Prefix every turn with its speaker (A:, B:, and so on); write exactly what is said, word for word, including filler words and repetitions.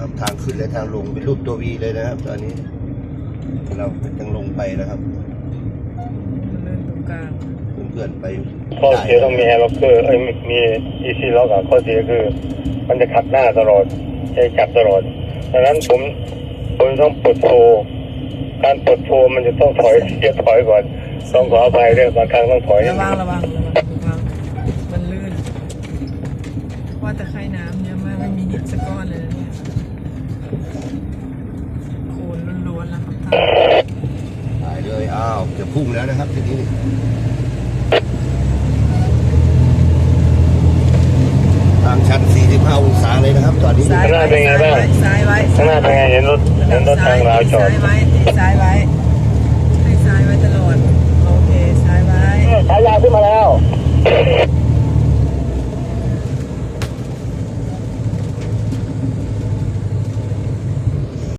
A: นะครับทางขึ้นและทางลงเป็นรูปตัววีเลยนะครับตอนนี้เราจะลงไปนะครับ
B: เดินตรงกลาง
A: เพื่อนๆไป
C: ข้อเสียต้องมีแอร์ล็อกเกอร์เอ้ยมีอีซีล็อกอะข้อเสียคือมันจะขัดหน้าตลอดใช้จับตลอดดังนั้นผมผมต้องปลดโฟการปลดโฟมันจะต้องถอยเสียถอยก่อนต้องขออภัยด้วยบางครั้งต้องถอย
B: ระวังระวังระวังมันลื่นว่าแต่ไข่น้ำเนี่ยมันไม่มีหินสักก้อนเลยนะเนี่ยโคลนล้วนๆแล้วครับท่าน
A: ถ่ายเลยอ้าวจะพุ่งแล้วนะครับทีนี้ทางชันสี่สิบห้าองศาเลยนะครับตอนนี้
B: ซ้ายไว้ซ้ายไว้ซ้ายไว้
C: ข้างหน้าเป็นไงเห็นรถเห็นรถทางราวจอด
B: ซ้ายไว้ซ้ายไว้ให้ซ้ายไว้ตลอดโอเคซ้ายไว้
C: สายยาวขึ้นมาแล้ว
B: โ